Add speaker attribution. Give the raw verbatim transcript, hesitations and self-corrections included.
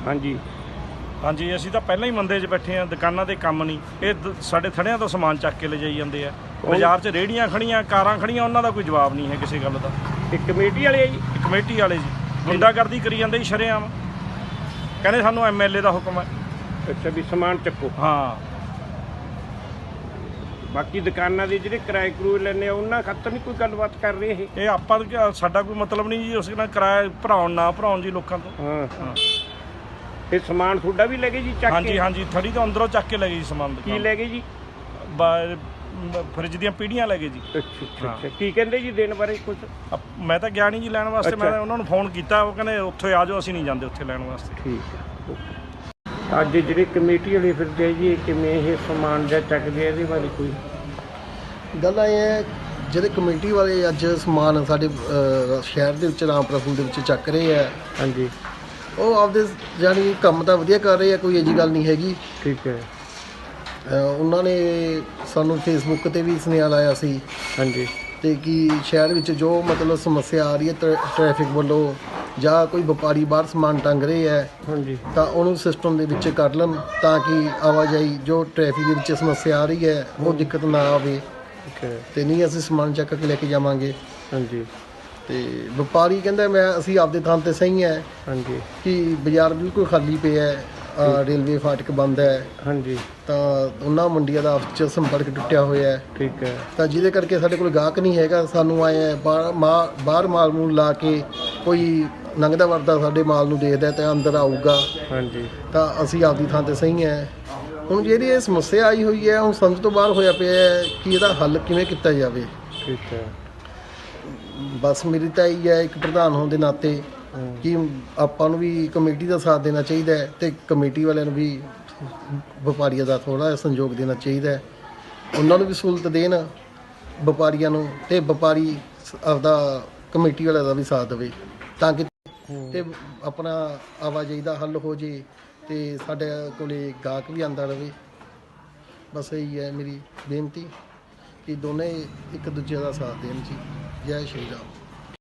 Speaker 1: हाँ जी
Speaker 2: हाँ जी, असीं तां पहिलां ही मंदे 'च बैठे हाँ, दुकानां ते काम नहीं, ये द- साडे थड़ियां तो समान चक के ले जाई जांदे आ। बाजार 'ਚ रेहड़ियां खड़ियां, कारां खड़ियां, ਉਹਨਾਂ ਦਾ ਕੋਈ ਜਵਾਬ नहीं है किसी गल ਦਾ।
Speaker 1: एक कमेटी वाले जी
Speaker 2: कमेटी वाले जी गुंडागर्दी करी ਜਾਂਦੇ ਜੀ ਸ਼ਰੇਆਮ, ਕਹਿੰਦੇ ਸਾਨੂੰ ਐਮਐਲਏ ਦਾ ਹੁਕਮ ਹੈ।
Speaker 1: अच्छा भी समान चक्को
Speaker 2: ਹਾਂ,
Speaker 1: बाकी दुकाना के ਜਿਹੜੇ ਕਿਰਾਏ ਕਰੂਏ ਲੈਣੇ ਆ ਉਹਨਾਂ ਖਾਤਰ ਨਹੀਂ ਕੋਈ ਗੱਲਬਾਤ ਕਰ ਰਹੇ ਇਹ
Speaker 2: ਇਹ ਆਪਾਂ ਨੂੰ ਕਿਆ- ਸਾਡਾ ਕੋਈ ਮਤਲਬ ਨਹੀਂ ਜੀ ਉਸ ਨਾਲ ਕਿਰਾਇਆ ਭਰਾਉਣ ਨਾ ਭਰਾਉਣ ਜੀ ਲੋਕਾਂ ਤੋਂ।
Speaker 1: ਹਾਂ
Speaker 2: ਹਾਂ
Speaker 1: ਇਹ ਸਮਾਨ ਤੁਹਾਡਾ ਵੀ ਲੈ ਗਏ ਜੀ ਚੱਕ
Speaker 2: ਹਾਂਜੀ
Speaker 1: ਕੇ
Speaker 2: ਹਾਂਜੀ, ਥੜੀ ਤੋਂ ਅੰਦਰੋਂ ਚੱਕ ਕੇ ਲੈ ਗਏ ਜੀ ਸਮਾਨ
Speaker 1: ਕੀ
Speaker 2: ਦੁਕਾਨ।
Speaker 1: ਲੈ ਗਏ ਜੀ
Speaker 2: ਬਾ- ਮ- ਫਰਿੱਜ ਦੀਆਂ ਪੀੜੀਆਂ ਲੈ ਗਏ ਜੀ।
Speaker 1: ਅੱਛਾ ਅੱਛਾ
Speaker 2: ਹਾਂ।
Speaker 1: ਅੱਛਾ ਕੀ ਕਹਿੰਦੇ ਜੀ ਦੇਣ ਬਾਰੇ ਕੁਝ
Speaker 2: ਅਪ- ਮੈਂ ਤਾਂ ਗਿਆ ਨਹੀਂ ਜੀ ਲੈਣ ਵਾਸਤੇ, ਮੈਂ
Speaker 1: ਅੱਛਾ।
Speaker 2: ਤਾਂ ਉਹਨਾਂ ਨੂੰ ਫੋਨ ਕੀਤਾ, ਉਹ ਕਹਿੰਦੇ ਉੱਥੇ ਆ ਜਾਓ, ਅਸੀਂ ਨਹੀਂ ਜਾਂਦੇ ਉੱਥੇ ਲੈਣ ਵਾਸਤੇ।
Speaker 1: ਠੀਕ ਹੈ ਅੱਜ ਜਿਹੜੇ ਕਮੇਟੀ ਵਾਲੇ ਫਿਰਦੇ ਆ ਜੀ ਇਹ ਕਿਵੇਂ ਇਹ ਸਮਾਨ ਜਾਂ ਚੱਕਦੇ ਆ ਇਹਦੇ ਬਾਰੇ ਕੋਈ
Speaker 3: ਗੱਲ ਇਹ ਹੈ, ਜਿਹੜੇ ਕਮੇਟੀ ਵਾਲੇ ਅੱਜ ਸਮਾਨ ਸਾਡੇ ਅ, ਸ਼ਹਿਰ ਦੇ ਵਿੱਚ ਰਾਮਪੁਰਾ ਸਕੂਲ ਦੇ ਵਿੱਚ ਚੱਕ ਰਹੇ ਆ,
Speaker 1: ਹਾਂਜੀ
Speaker 3: ਉਹ ਆਪਦੇ ਜਾਣੀ ਕੰਮ ਤਾਂ ਵਧੀਆ ਕਰ ਰਹੇ ਆ, ਕੋਈ ਅਜੀ ਗੱਲ ਨਹੀਂ ਹੈਗੀ।
Speaker 1: ਠੀਕ ਹੈ
Speaker 3: ਅ, ਉਹਨਾਂ ਨੇ ਸਾਨੂੰ ਫੇਸਬੁੱਕ ਤੇ ਵੀ ਸੁਨੇਹਾ ਲਾਇਆ ਸੀ
Speaker 1: ਹਾਂਜੀ
Speaker 3: ਤੇ ਕਿ ਸ਼ਹਿਰ ਵਿੱਚ ਜੋ ਮਤਲਬ ਸਮੱਸਿਆ ਆ ਰਹੀ ਹੈ ਟ੍ਰੈ- ਟ੍ਰੈਫਿਕ ਵੱਲੋਂ ਜਾਂ ਕੋਈ ਵਪਾਰੀ ਬਾਹਰ ਸਮਾਨ ਟੰਗ ਰਹੇ ਹੈ
Speaker 1: ਹਾਂਜੀ
Speaker 3: ਤਾਂ ਉਹਨੂੰ ਸਿਸਟਮ ਦੇ ਵਿੱਚ ਕਰ ਲੈਣ, ਤਾਂ ਕਿ ਆਵਾਜਾਈ ਜੋ ਟ੍ਰੈਫਿਕ ਦੇ ਵਿੱਚ ਸਮੱਸਿਆ ਆ ਰਹੀ ਹੈ ਉਹ ਦਿੱਕਤ ਨਾ ਆਵੇ।
Speaker 1: ਠੀਕ ਹੈ
Speaker 3: ਤੇ ਨਹੀਂ ਅਸੀਂ ਸਮਾਨ ਚੱਕ ਕੇ ਲੈ ਕੇ ਜਾਵਾਂਗੇ।
Speaker 1: ਹਾਂਜੀ
Speaker 3: ਤੇ ਵਪਾਰੀ ਕਹਿੰਦਾ ਮੈਂ ਅਸੀਂ ਆਪਦੇ ਥਾਂ ਤੇ ਸਹੀ ਹੈ
Speaker 1: ਹਾਂਜੀ
Speaker 3: ਕਿ ਬਾਜ਼ਾਰ ਬਿਲਕੁਲ ਖਾਲੀ ਪਿਆ ਹੈ, ਅ, ਰੇਲਵੇ ਫਾਟਕ ਬੰਦ ਹੈ,
Speaker 1: ਹਾਂਜੀ
Speaker 3: ਤਾਂ ਉਹਨਾਂ ਮੰਡੀਆਂ ਦਾ ਆਪਸ 'ਚ ਸੰਪਰਕ ਟੁੱਟਿਆ ਹੋਇਆ ਹੈ,
Speaker 1: ਠੀਕ ਹੈ
Speaker 3: ਤਾਂ ਜਿਹਦੇ ਕਰਕੇ ਸਾਡੇ ਕੋਲ ਗਾਹਕ ਨਹੀਂ ਹੈਗਾ। ਸਾਨੂੰ ਆਏ ਹੈ ਬਾਹਰ ਮਾ- ਬਾਹਰ ਮਾਲ ਮੂਲ ਲਾ ਕੇ ਕੋਈ ਲੰਘਦਾ ਵਰਦਾ ਸਾਡੇ ਮਾਲ ਨੂੰ ਦੇਖਦਾ ਤੇ ਅੰਦਰ ਆਊਗਾ,
Speaker 1: ਹਾਂਜੀ
Speaker 3: ਤਾਂ ਅਸੀਂ ਆਪਦੀ ਥਾਂ ਤੇ ਸਹੀ ਹੈ। ਹੁਣ ਜਿਹੜੀ ਇਹ ਸਮੱਸਿਆ ਆਈ ਹੋਈ ਹੈ, ਹੁਣ ਸਮਝ ਤੋਂ ਬਾਹਰ ਹੋਇਆ ਪਿਆ ਹੈ ਕਿ ਇਹਦਾ ਹੱਲ ਕਿਵੇਂ ਕੀਤਾ ਜਾਵੇ।
Speaker 1: ਠੀਕ ਹੈ
Speaker 3: ਬਸ ਮੇਰੀ ਤਾਂ ਇਹੀ ਹੈ ਇੱਕ ਪ੍ਰਧਾਨ ਹੋਣ ਦੇ ਨਾਤੇ
Speaker 1: ਹਮ,
Speaker 3: ਕਿ ਆਪਾਂ ਨੂੰ ਵੀ ਕਮੇਟੀ ਦਾ ਸਾਥ ਦੇਣਾ ਚਾਹੀਦਾ ਹੈ ਤੇ ਕਮੇਟੀ ਵਾਲਿਆਂ ਨੂੰ ਵੀ ਵਪਾਰੀਆਂ ਦਾ ਥੋੜ੍ਹਾ ਸਹਿਯੋਗ ਦੇਣਾ ਚਾਹੀਦਾ ਹੈ। ਉਹਨਾਂ ਨੂੰ ਵੀ ਸਹੂਲਤ ਦੇਣ ਵਪਾਰੀਆਂ ਨੂੰ, ਤੇ ਵਪਾਰੀ ਸ- ਆਪਦਾ ਕਮੇਟੀ ਵਾਲਿਆਂ ਦਾ ਵੀ ਸਾਥ ਦੇਵੇ, ਤਾਂ ਕਿ ਤੇ ਆਪਣਾ ਆਵਾਜਾਈ ਦਾ ਹੱਲ ਹੋ ਜੇ ਤੇ ਸਾਡੇ ਕੋਲੇ ਗਾਹਕ ਵੀ ਆਉਂਦਾ ਰਹੇ। ਬਸ ਇਹੀ ਹੈ ਮੇਰੀ ਬੇਨਤੀ ਕਿ ਦੋਨੇ ਇੱਕ ਦੂਜੇ ਦਾ ਸਾਥ ਦੇਣ ਜੀ। ਜੈ ਸ਼੍ਰੀ ਰਾਮ।